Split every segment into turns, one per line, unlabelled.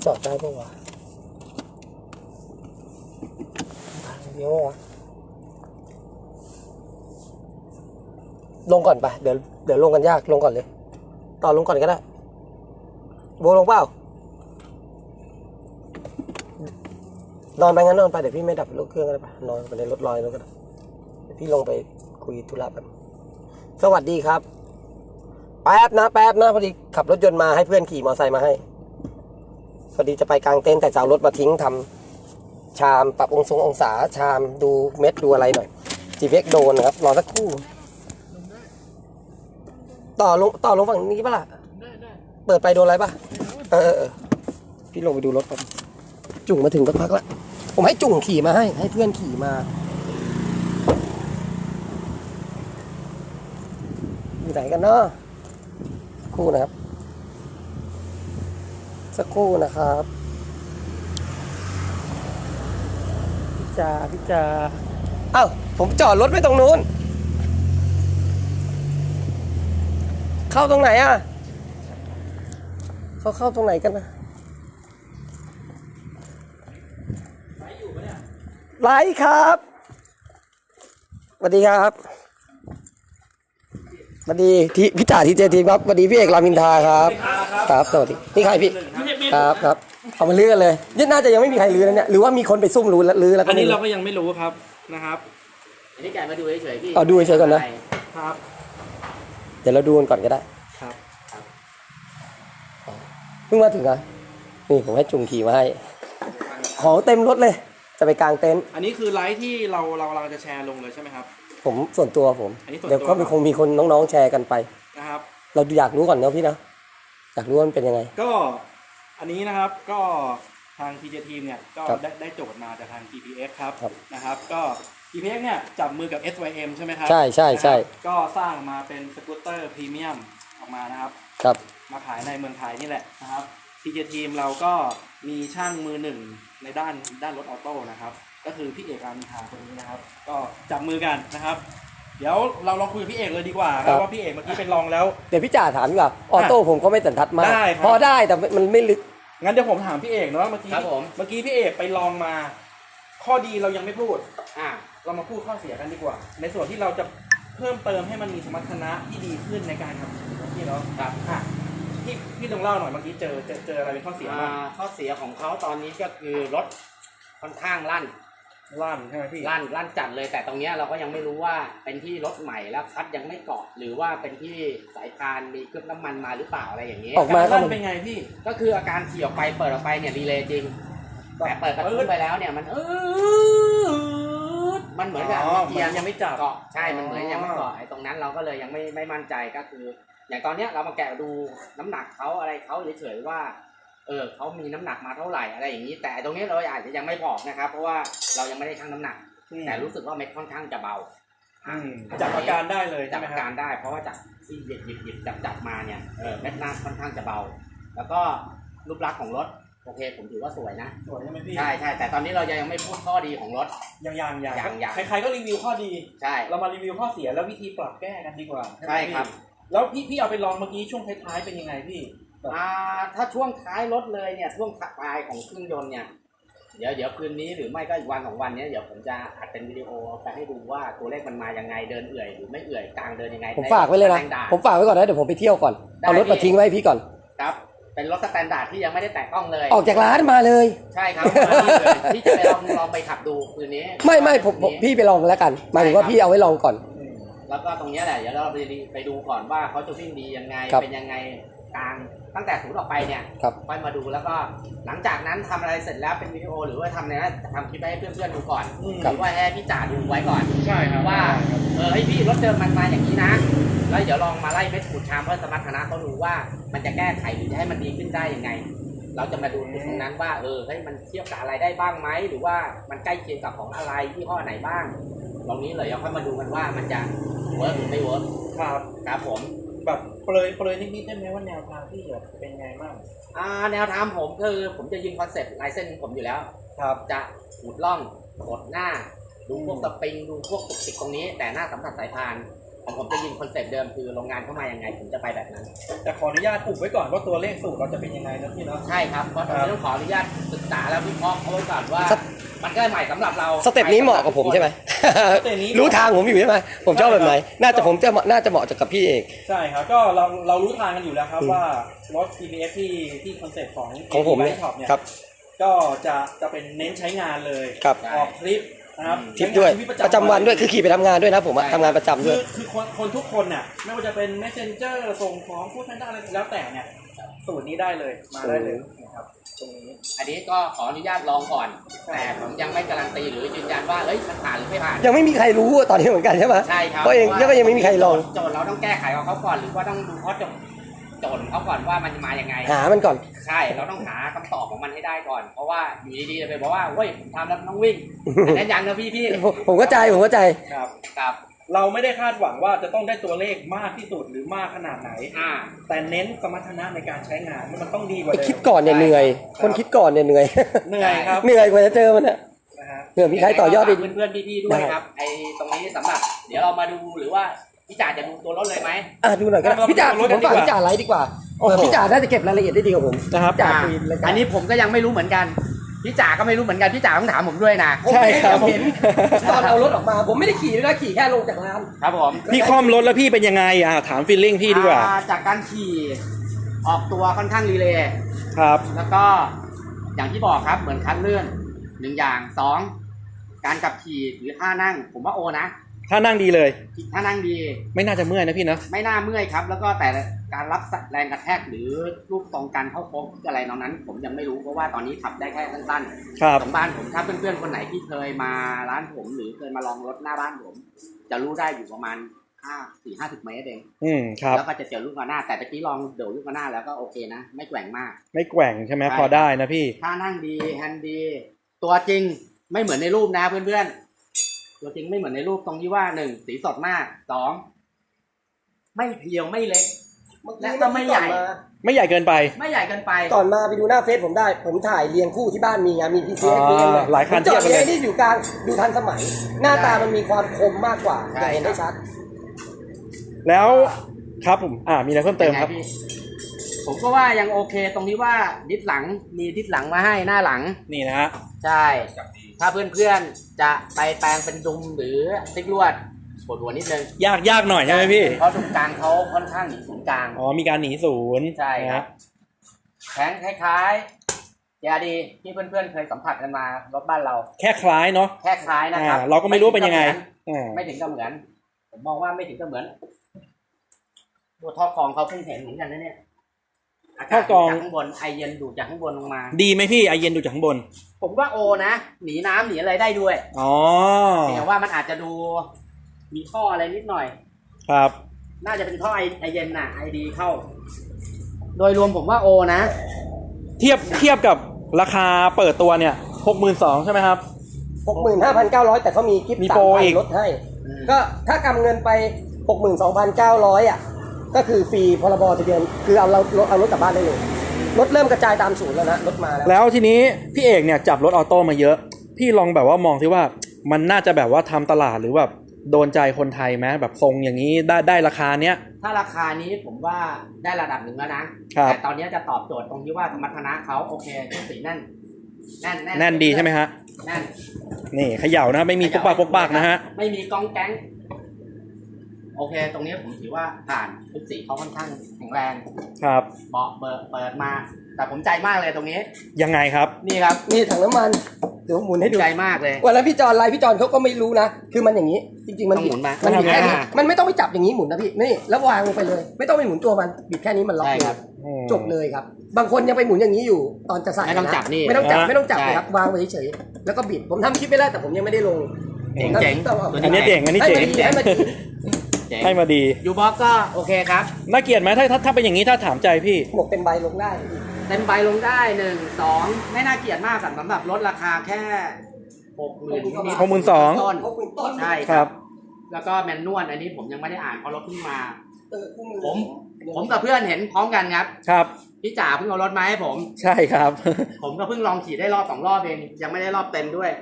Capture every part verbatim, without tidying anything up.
จอดได้ปะวะทางเดียววะลงก่อนไปเดี๋ยวเดี๋ยวลงกันยากลงก่อนเลยต่อลงก่อนก็ได้โบลงเปล่านอนไปงั้นนอนไปเดี๋ยวพี่ไม่ดับรถเครื่องก็ได้ปะนอนไปในรถลอยแล้วก็ได้เดี๋ยวพี่ลงไปคุยธุระแบบสวัสดีครับแป๊บนะแป๊บนะพอดีขับรถยนต์มาให้เพื่อนขี่มอเตอร์ไซค์มาให้พอดีจะไปกลางเต็นท์แต่จะเอารถมาทิ้งทำชามปรับองศาองศาชามดูเม็ดดูอะไรหน่อย จี พี เอ็กซ์ โดนนะครับรอสักครู่ต่อลงต่อลงฝั่งนี้ป่ะล่ะเปิดไปโดนอะไรป่ะเออเออพี่ลงไปดูรถก่อนจุ่งมาถึงสักพักแล้วผมให้จุ่งขี่มาให้ให้เพื่อนขี่มาอยู่ไหนกันเนาะคู่นะครับสักครู่นะครับพี่จ่าพี่จ่าเอ้าผมจอดรถไว้ตรงนู้นเข้าตรงไหนอ่ะเขาเข้าตรงไหนกันนะไลฟ์อยู่ปะเนี่ยไลฟ์ครับสวัสดีครับสวัสดีที่พี่จ่าที่เจทีครับสวัสดีพี่เอกรามอินทราครับครับสวัสดีนี่ใครพี่ครับครับเอามาลื้อกันเลยนี่น่าจะยังไม่มีใครลื้อแล้วเนี่ยหรือว่ามีคนไปซุ่มลื้อแล้วลื้อแล้ว
อันนี้เราก็ยังไม่รู้ครับนะครับ
อันนี้แกมาดูเฉยๆพี่
เอาดูเฉยๆก่อนนะ
ครับ
เดี๋ยวเราดูกันก่อนก็ได้
ครับ
เพิ่งมาถึงอ่ะนี่ผมให้จุงขี่มาให้ของเต็มรถเลยจะไปกางเต็นท์
อันนี้คือไลฟ์ที่เราเราเราจะแชร์ลงเลยใช่ไหมครับ
ผมส่วนตัวผมเดี๋ยวก็คงมีคนน้องๆแชร์กันไป
นะครับ
เราอยากรู้ก่อนเนาะพี่นะอยากรู้ว่ามันเป็นยังไง
ก็อันนี้นะครับก็ทาง ที เจ Team เนี่ยก็ได้ได้โจทย์มาจากทาง จี พี เอ็กซ์ ครับนะครับก็ จี พี เอ็กซ์ เนี่ยจับมือกับ เอส วาย เอ็ม ใช่ไหมครับ
ใช่ใช่ใช่
ก็สร้างมาเป็นสกูตเตอร์พรีเมียมออกมานะครับ
ครับ
มาขายในเมืองไทยนี่แหละนะครับ ที เจ Team เราก็มีช่างมือหนึ่งในด้านด้านรถออโต้นะครับก็คือพี่เอกรามอินทราคนนี้นะครับก็จับมือกันนะครับเดี๋ยวเราลองคุยกับพี่เอกเลยดีกว่าครับว่าพี่เอกเมื่อกี้เป็นลองแล้ว
เดี๋ยวพี่จ่าถามดีกว่าออโต้ผมก็ไม่สันทัดมากพอได้แต่มันไม่ลึก
งั้นเดี๋ยวผมถามพี่เอกเนาะเมื่อกี้เมื่อกี้พี่เอกไปลองมาข้อดีเรายังไม่พูดอ่ะเรามาพูดข้อเสียกันดีกว่าในส่วนที่เราจะเพิ่มเติมให้มันมีสมรรถนะที่ดีขึ้นในการขับขี่ของพี่เนาะครับอ่ะพี่พี่ลองเล่าหน่อยเมื่อกี้เจอเจอเจออะไรเป็นข้อเสียบ้าง
ข้อเสียของเขาตอนนี้ก็คือรถค่อนข้างลั่น
ลั่นใช่ไหมพี่
ลั่นลั่นจัดเลยแต่ตรงนี้เราก็ยังไม่รู้ว่าเป็นที่รถใหม่แล้วคัดยังไม่เกาะหรือว่าเป็นที่สายพานมีเครื่องน้ำมันมาหรือเปล่าอะไรอย่างนี้
ออกมาลั่นเป็นไงพี่
ก็คืออาการขี่ออกไปเปิดออกไปเนี่ยรีเลย์จริงแต่เปิดกระตุ้นไปแล้วเนี่ยมันเออมันเหมือนกับเกียร์ยังไม่เกาะใช่มันเหมือนยังไม่เกาะไอ้ตรงนั้นเราก็เลยยังไม่ไม่มั่นใจก็คืออย่างตอนนี้เรามาแกะดูน้ำหนักเขาอะไรเขาเฉยๆว่าเออเขามีน้ำหนักมาเท่าไหร่อะไรอย่างนี้แต่ตรงนี้เราอาจจะยังไม่บอกนะครับเพราะว่าเรายังไม่ได้ชั่งน้ำหนักแต่รู้สึกว่าเม็ดค่อนข้างจะเบา
จับอาการได้เลย
จับอาการได้เพราะว่าจากที่หยิบหยิบหยิบจับจับมาเนี่ยเออเม็ดหน้าค่อนข้างจะเบาแล้วก็รูปลักษณ์ของรถโอเคผมถือว่าสวยนะ
สวยใช่ไหมพี่
ใช่ใช่แต่ตอนนี้เรายังไม่พูดข้อดีของรถ
ยังยังยัง
ยัง
ใครๆก็รีวิวข้อดี
ใช่
เรามารีวิวข้อเสียแล้ววิธีปรับแก้กันดีกว่า
ใช่ครับ
แล้วพี่พี่เอาไปลองเมื่อกี้ช่วงท้ายๆเป็นยังไงพี่
อ่าถ้าช่วงท้ายรถเลยเนี่ยช่วงปลายของเครื่องยนต์เนี่ยเดี๋ยวเดี๋ยวคืนนี้หรือไม่ก็อีกวันสองวันนี้เดี๋ยวผมจะอัดเป็นวิดีโอไปให้ดูว่าตัวเลขมันมายังไงเดินเอื่อยหรือไม่เอื่อยกลางเดินยังไง
ผมฝากไว้เลยนะผมฝากไว้ก่อนนะเดี๋ยวผมไปเที่ยวก่อนเอารถมาทิ้งไว้พี่ก่อน
ครับเป็นรถสแตนดาร์ดที่ยังไม่ได้แตะต้องเลย
ออกจากร้านมาเลย
ใช่ครับพี่จะไปลองลองไปขับดูคืนนี้
ไม่ไม่ผมพี่ไปลองแล้วกันหมายถึงว่าพี่เอาไว้ลองก่อน
แล้วก็ตรงนี้แหละเดี๋ยวเราไปไปดูก่อนว่าเขาจะวิ่งดียังไงเป็นยังไงกลางตั้งแต่ศูนย์ออกไปเนี่ยค่อยมาดูแล้วก็หลังจากนั้นทำอะไรเสร็จแล้วเป็นวิดีโอหรือว่าทำอะไรนะทำคลิปให้เพื่อนๆดูก่อนหรือว่าให้พี่จ่าดูไว้ก่อน
ใช่ครับ
ว่าเออให้พี่รถเดิมมันมาอย่างนี้นะแล้วเดี๋ยวลองมาไล่เม็ดขูดชามเพื่อสมรรถนะเขาดูว่ามันจะแก้ไขหรือจะให้มันดีขึ้นได้ยังไงเราจะมาดูตรงนั้นว่าเออให้มันเทียบกับอะไรได้บ้างไหมหรือว่ามันใกล้เคียงกับของอะไรยี่ห้อไหนบ้างตรงนี้เลยเราค่อยมาดูกันว่ามันจะเวิร์กหรือไม่เวิร์ก
ครับ
ครับผม
แบบเปรยเปรยนิดๆได้ไหมว่าแนวทางที่แบบเป็นไงบ้าง
อ่าแนวทางผมคือผมจะยิงคอนเซ็ปต์ลายเส้นของผมอยู่แล้ว
ครับ
จะขูดล่องกดหน้าดูพวกสปริงดูพวกตุกติกตรงนี้แต่หน้าสัมผัสสายพานของผมจะยิงคอนเซ็ปต์เดิมคือโรงงานเข้ามายังไงผมจะไปแบบนั้น
แต่ขออนุญาตอุบไว้ก่อนว่าตัวเลขสูตรเราจะเป็นยังไงนะพี่เนาะ
ใช่ครับเพราะตรงนี้ต้องขออนุญาตศึกษาแล้ววิเคราะห์เขาไว้ก่อนว่า
ส
มันก็ใหม่สำหรับเรา
สเต็ปนี้เหมาะกับผมใช่ไหม
สเต็ปนี้
รู้ทางผมอยู่ใช่ไหมผมชอบแบบไหนน่าจะผมจะน่าจะเหมาะกับพี่เอก
ใช่ครับก็เราเรารู้ทางกันอยู่แล้วครับว่ารถ ที พี เอส ที่ที่คอนเซ็ปต์ของ
ของผมเนี่ย
ช็อปเนี่ย
ครับ
ก็จะจะเป็นเน้นใช้งานเลย
ครับ
ออกทริปนะครับ
ทริปด้วย
ใช้งานชีต
ประจำวันด้วยคือขี่ไปทำงานด้วยนะผมอะทำงานประจำด้
คื
วย
อคือคนคนทุกคนน่ะไม่ว่าจะเป็น messenger ส่งของพูดทันได้อะไรแล้วแต่เนี่ยสูตรนี้ได้เลยมาได้เลยนะครับตรงนี้
อันนี้ก็ขออนุญาตลองก่อน แต่ผมยังไม่การันตีหรือยืนยันว่าเอ้ยมันผ่านหรือไม่ผ่าน
ยังไม่มีใครรู้ตอนนี้เหมือนกันใช่ไหม
ใช่ครับ
เพราะเองก็ยังไม่มีใครลอง
โจทย์เราต้องแก้ไขของเขาก่อนหรือว่าต้องดูข้อโจทย์โจทย์เขาก่อนว่ามันจะมายังไง
หามันก่อน
ใช่เราต้องหาคำตอบของมันให้ได้ก่อน เพราะว่าอยู่ดีๆจะไปบอกว่าเว้ยผมทำแล้วมันต้องวิ่งอันนั้นยังนะพี่พี่
ผมผมเข้าใจผมเข้าใจ
ครับ
ครับ
เราไม่ได้คาดหวังว่าจะต้องได้ตัวเลขมากที่สุดหรือมากขนาดไหน
อ่า
แต่เน้นสมรรถนะในการใช้งานมันต้องดีกว่าเดิม
คิดก่อนเนี่ยเหนื่อย คนคิดก่อนเนี่ยเหนื่อย
เหนื่อยครับ
เหนื่อยกว่าจะเจอมันอะ
นะฮะ
เหนื่อยมีใครต่อยอดไป
เพื่อนๆพี่ๆด้วยครับไอ้ตรงนี้สำหรับ เดี๋ยวเรามาดูหรือว่าพี่จ่าจะดูตัวรถเลยไหม
อ่ะดูหน่อยก็ได้พี่จ่าผมฝากพี่จ่าไลฟ์ดีกว่าเออพี่จ่าน่าจะเก็บรายละเอียดได้ดีกว่าผม
นะครับ
จ่า
อ่า
คุยรายการ
อันนี้ผมก็ยังไม่รู้เหมือนกันพี่จ่าก็ไม่รู้เหมือนกันพี่จ่าต้องถามผมด้วยนะ
ใช่ครับผมเห็นตอนเอารถออกมา ผมไม่ได้ขี่ด้วยนะขี่แค่ลงจากร้าน
ครับผม
พี่คล่อมรถแล้วพี่เป็นยังไงอ่ะถามฟีลลิ่งพี่ดีกว่า
อ่จากการขี่ออกตัวค่อนข้างรีเลย์
ครับ
แล้วก็อย่างที่บอกครับเหมือนคันเลื่อนหนึ่งอย่างสองการขับขี่หรือท่านั่ง ผมว่าโอนะ
ถ้านั่งดีเลย
ท่านั่งดี
ไม่น่าจะเมื่อยนะพี่เนอะ
ไม่น่าเมื่อยครับ แล้วก็แต่การรับแรงกระแทกหรือรูปตรงการเข้าโค้งอะไรนอกนั้น ผมยังไม่รู้เพราะว่าตอนนี้ขับได้แค่สั้น
ครับ
ๆของบ้านผมถ้าเพื่อนๆคนไหนที่เคยมาร้านผม หรือเคยมาลองรถหน้าบ้านผม จะรู้ได้อยู่ประมาณห้าสี่ห้าสิบเมตรเอง
อืมครับ
แล้วก็จะเจอลูกระนาดแต่ตะกี้ลองเดี๋ยวลูกระนาดแล้วก็โอเคนะไม่แกว่งมาก
ไม่แกว่งใช่ไหม
ใช่
พอได้นะพี่
ท่านั่งดีแฮนด์ดี ตัวจริงไม่เหมือนในรูปนะเพื่อนๆตัวจริงไม่เหมือนในรูปตรงที่ว่าหนึ่งสีสดมากสองไม่เพรียวไม่เล็ก และก็ไม่ใหญ่
ไม่ใหญ่เกินไป
ไม่ใหญ่เกินไป
ก่อนมาไปดูหน้าเฟซผมได้ ผมถ่ายเรียงคู่ที่บ้านมีไงมีพีซี
อ๋อหลายคัน
จอด
เทียบกันเลย
เรียงนี่อยู่กลางดูทันสมัย หน้าตามันมีความคมมากกว่า
ใช่
จะเห็นได้ชัด
แล้วครับผมอ่ามีอะไรเพิ่มเติมครับ
ป็นไงพี่ผมก็ว่ายังโอเค ตรงที่ว่าดิสหลังมีดิสหลังมาให้หน้าหลัง
นี่นะฮะ
ใช่ ถ้าเพื่อนๆจะไปแปลงเป็นดุมหรือติ๊กลวดปวดหัวนิดนึง
ยากยากหน่อยใช่ไหมพี่
เพราะตรงกลางเขาค่อนข้างหนีศูนย์กลาง
อ๋อมีการหนีศูนย์
ใช่ครั
นะ
บแข็งคล้ายๆยาดีที่เพื่อนๆเคยสัมผัสกันมารถบ้านเรา
แค่คล้ายเนาะ
แค่คล้ายนะครับ
อ่าเราก็ไม่รู้ว่าเป็นยังไงอ่า
ไม่ถึงกับเหมือน ผมมองว่าไม่ถึงกับเหมือนตัวท่อกรองเขาเพิ่งเห็นเหมือนกันนะเนี่ยอากาศดูดจากข้างบนไอเย็นดูดจากข้างบนลงมา
ดีไหมพี่ไอเย็นดูจากข้างบน
ผมว่าโอนะหนีน้ำหนีอะไรได้ด้วย
อ๋อ
แต่ว่ามันอาจจะดูมีท่ออะไรนิดหน่อย
ครับ
น่าจะเป็นท่อไอไอเย็นน่ะไอดีเข้า โดยรวมผมว่าโอนะ
เทียบเทียบกับราคาเปิดตัวเนี่ยหกหมื่นสองใช่ไหมครับ
หกหมื่นห้าพันเก้าร้อยแต่เขามีกิฟต์
มี
สา
โปร
มพั
อี
น
ก
ลดให้
อืม
ก็ถ้ากำเงินไปหกหมื่นสองพันเก้าร้อยอ่ะก็คือฟรีพรบทะเบียนคือเอาเราเอารถกลับบ้านได้เลยรถเริ่มกระจายตามศูนย์แล้วนะรถมาแล้ว
แล้วทีนี้พี่เอกเนี่ยจับรถออโต้มาเยอะ พี่ลองแบบว่ามองที่ว่ามันน่าจะแบบว่าทำตลาดหรือแบบโดนใจคนไทยไหมแบบทรงอย่างนี้ได้ได้ราคาเนี้ย
ถ้าราคานี้ผมว่าได้ระดับหนึ่งแล้วนะครับ แต่ตอนนี้จะตอบโจทย์ตรงที่ว่าสมรรถนะเขาโอเคทุกสีแน่นแน่น
แน่นดีใช่ไหมฮะ
แน่น
นี่เขย่านะไม่มีปกปากปกปากนะฮะ
ไม่มีกองแก๊งโอเค ตรงนี้ผมถือว่าผ่านทุกสีเขาค่อนข้างแข็งแรง
ครับ
เบาะเปิดเปิดมา แต่ผมใจมากเลยตรงนี้
ยังไงครับ
นี่ครับ
นี่ถังน้ำมันเดี๋ยวหมุนให้ดู
ใจมากเลย
วันนั้นพี่จอนไลฟ์พี่จอนเขาก็ไม่รู้นะ คือมันอย่างนี้ จริง ๆ มัน
ต้องหมุนมา
มันบิดแค่นี้
อ่า
มันไม่ต้องไปจับอย่างนี้หมุนนะพี่นี่แล้ววางลงไปเลย ไม่ต้องไปหมุนตัวมันบิดแค่นี้มันล็อก
ใช่
เล
ครั
ย
บ
จบเลยครับ บางคนยังไปหมุนอย่างนี้อยู่ตอนจะใส่
ไม่ต้อง
นะ
จับนี่
ไม่ต้องจับ
อ่า
ไม่ต้องจับ
ใช่
เลยครับวางไว้เฉยๆแล้วก็บิดผมทำคลิปไปแล้วแต่ผมยังไม่ได้ลง
เจ๋งเจ๋ง
ต้องเอา
อันนี้เจ๋งอันนี้เจ๋ง
ให้มันดี
เจ๋ง
ให้มาดี
ยูบ็อกก็โอเคครับ
น่าเกลียดไหมถ้าถ้าถ้าเป็นอย่างนี้ถ้าถามใจพี่
หมวกเต็มใบลงได้
เต็มใบลงได้หนึ่งสองไม่น่าเกลียดมากสำหรับลดราคาแค่หกหมื่น
หกหมื่นสอง
ต้น
เพราะคุณต้น
ใช่
ครับ
แล้วก็แมนนวลอันนี้ผมยังไม่ได้อ่านเพราะรถเพิ่งมา
เออคู่มือ
ผม ผมกับเพื่อนเห็นพร้อมกันครับ
ครับ
พี่จ๋าเพิ่งเอารถมาให้ผม
ใช่ครับ
ผมก็เพิ่งลองขี่ได้รอบสองรอบเองยังไม่ได้รอบเต็มด้วย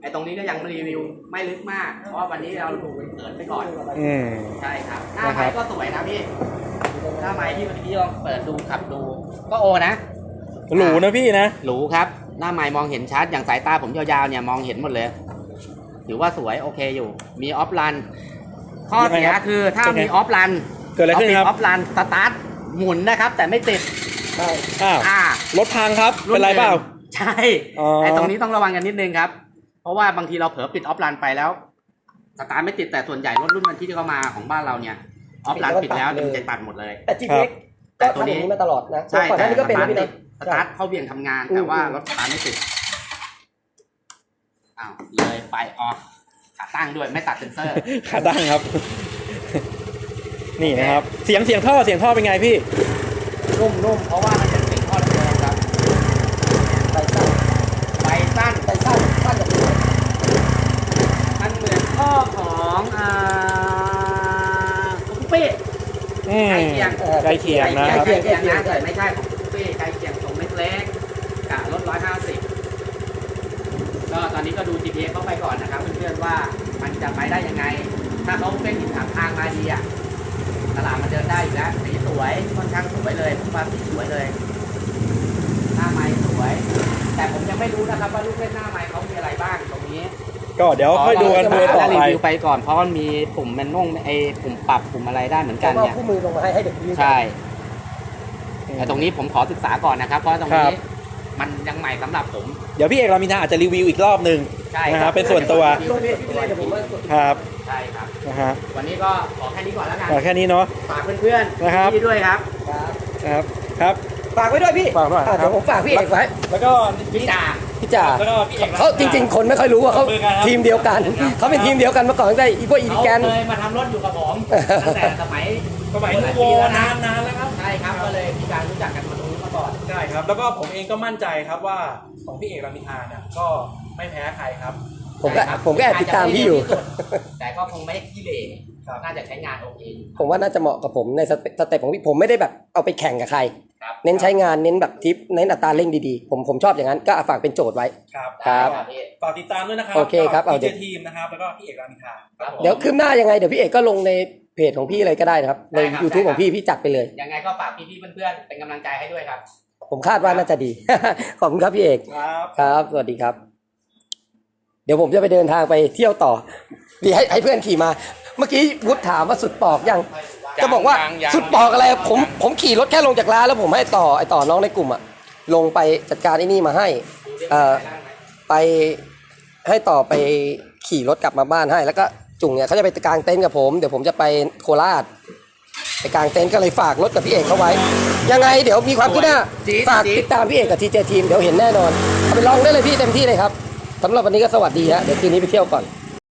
ไอ้ตรงนี้ก็ยังรีวิวไม่ลึกมาก เพราะว่าวันนี้เราดูเปิดไปก่อน
อืม
ใช่ครับ หน้าไม้ก็สวยนะพี่ หน้าไม้ที่เมื่อกี้ลองเปิดดูขับดู ก็โอนะ
หรูนะพี่นะ
หรูครับ หน้าไม้มองเห็นชัด อย่างสายตาผมยาวๆเนี่ยมองเห็นหมดเลย ถือว่าสวยโอเคอยู่ มีออฟรัน ข้อเสียคือถ้ามีออฟรัน
เกิดอะไรขึ้นครับ
ออฟรันสตาร์ทหมุนนะครับ แต่ไม่ติด
ใช่
อ้าว
อ่าร
ถพังครับ เป็นไรเปล่า
ใช่
อ๋อ
ไอ้ตรงนี้ต้องระวังกันนิดนึงครับ เพราะว่าบางทีเราเผลอปิดออฟรันไปแล้ว สตาร์ทไม่ติดแต่ส่วนใหญ่รถรุ่นมันที่เข้ามาของบ้านเราเนี่ยออฟรันปิดแล้วเดี๋ยวมันจะตัดหมดเลย
แต่ จี พี เอ็กซ์ ก็ทำอย่างนี้มาตลอดนะ
ใช่
ก่อนห
แต่
น้านี้ก็เป็น
ส
นะ
ตาร์ท
พี่
ติ
นะ
ดสตาร์ทเข้าเบี่ยงทำงาน
อืม
แต่ว่ารถสตาร์ทไม่ติดอ้าวเลยไปออกขาตั้งด้วยไม่ตัดเซ็นเซอร์
ขาตั้งครับ นี่นะครับ เสียงเสียงท่อเสียงท่อเป็นไงพี่
นุ่มๆเพราะว่ามันเป็นสิ่งทอดเดิมครับ
ใส่สั้น
ไฟสั้น
ใส่สั้นสั้นแบบนี้
มันเหมือนท่อของอ่าคุปปี้
อืม
ใกล้เคียง
ใกล้เคียงนะ
ใก
ค
ล้
รับ
เคียงใกล้เคียงนะแต่ไม่ใช่ของคุปปี้ใกล้เคียงตรงเล็กๆกับรถร้อยห้าสิบก็ตอนนี้ก็ดู จี พี เอส เข้าไปก่อนนะครับเพื่อนๆว่ามันจะไปได้ยังไง ถ้าเขาเป็นหินถามทางมาดีอ่ะตลาดมันเดินได้อยู่แล้วสีสวยค่อนข้างสวยเลยผมว่าสีสวยเลยหน้าไม้สวย แต่ผมยังไม่รู้นะครับว่าลูกเล่นหน้าไม้เขามีอะไรบ้างตรงนี้
ก็เดี๋ยวค่อยดูกันดูต่อ
รี
ไป
วิวไปก่อนเพราะมันมีปุ่มแมนนวลไอ้ปุ่มปรับปุ่มอะไรได้เหมือน
แล้
กั
วน ก็
เนี่ย
คู่มือลงมาให้ให้เด็กยืน
ใช่แต่ตรงนี้ผมขอศึกษาก่อนนะครับ เพราะตรง
ครั
นี้
บ
มันยังใหม่สำหรับผม
เดี๋ยวพี่เอกรามินทาอาจจะรีวิวอีกรอบหนึ่ง
ใช่
นะครับเป็นส่วนตัว
ลงเพจพี่เลยเดี๋ยวผมว่ากด
ครับ
ใช่ครับ
นะฮะ
วันนี้ก็ขอแค่นี้ก่อนแล้วกัน
ก็แค่นี้เนาะ
ฝากเพื่อน
นะครับ
ๆที่ด้วยครับ
ครับ
นะครับครับ
ฝากไว้ด้วยพี่
ฝากด้วย
อ่ะเดี๋ยวผมฝากพี่เอกไว้
แล้วก็
พี่จ่า
พี่จ่า
แล้วก็พี่เอก
เขาจริง ๆ คนไม่ค่อยรู้ว่าเขา
ขอบคุณครับ
ทีมเดียวกัน เขาเป็นทีมเดียวกันมาก่อนตั้งแต่อีพวกอี
เขา
แกน
เคยมาทำรถอยู่กับผมตั้งแต่สมัย
สมัยนูโว
หลายปีแล้วนะ
นานนานแล้วครับ
ใช่ครับก็เลยมีการรู้จักกันมาตรงนี้มาก่อน
ใช่ครับ แล้วก็ผมเองก็มั่นใจครับว่าของพี่เอกรามินทาเนี่ยก็ไม่แพ้ใครครับ
ผมก็
ใช่ครับ
ผมก็แอบติดตามพี่อยู่
าจจะไม่เร็วที่สุดแต่ก็คงไม่ได้ขี้เหร่
ครับ
น่าจะใช้งานโอเคอยู่
ผมว่าน่าจะเหมาะกับผมในสเตสเต็ปของพี่ผมไม่ได้แบบเอาไปแข่งกับใคร
ครับ
เน้นใช้งานเน้นแบบทิปเน้นอัตราเร่งดีๆ ผมผมชอบอย่างนั้นก็ฝากเป็นโจทย์ไว้
ครับ
ครับ
ได้พี่
ฝากติดตามด้วยนะครับ
โอเคครับเอา
เอา
เดี๋
เจ
ยว
ทีมนะครับ แล้วก็พี่เอกรามินทาครับผม
เดี๋ยวคืบหน้ายังไงเดี๋ยวพี่เอกก็ลงในเพจของพี่เลยก็ได้นะครับ ใน
ได้ครับ
YouTube
ได้ครับ
ของพี่พี่จัดไปเลย
ยังไงก็ฝากพี่ๆเพื่อนๆเป็นกำลังใจให้ด้วยครับ
ผมคาดว่าน่าจะดี ขอบคุณครับพี่เอก
ครับ
ครับ สวัสดีครับ เดี๋ยวผมจะไปเดินทางไปเที่ยวต่อดีให้ให้เพื่อนขี่มา เมื่อกี้วุฒิถามว่าสุดปอกยัง
ยัง
จะบอกว่า
ยังยัง
สุดปอกอะไร ผมผมขี่รถแค่ลงจากร้านแล้วผมให้ต่อไอต่อน้องในกลุ่มอะลงไปจัดการไอ้นี่มาให้ เอ่อ ไปให้ต่อไปขี่รถกลับมาบ้านให้ แล้วก็จุ่งเนี่ยเขาจะไปกางเต็นท์กับผมเดี๋ยวผมจะไปโคราชไปกางเต็นท์ก็เลยฝากรถกับพี่เอกเขาไว้ ยังไงเดี๋ยวมีความคืบหน้า
จี๊ด
ฝาก
จี๊ด
ติดตามพี่เอกกับทีเจทีมเดี๋ยวเห็นแน่นอนเอาไปลองได้เลยพี่เต็มที่เลยครับสำหรับวันนี้ก็สวัสดีฮะเดี๋ยวคืนนี้ไปเที่ยวก่อน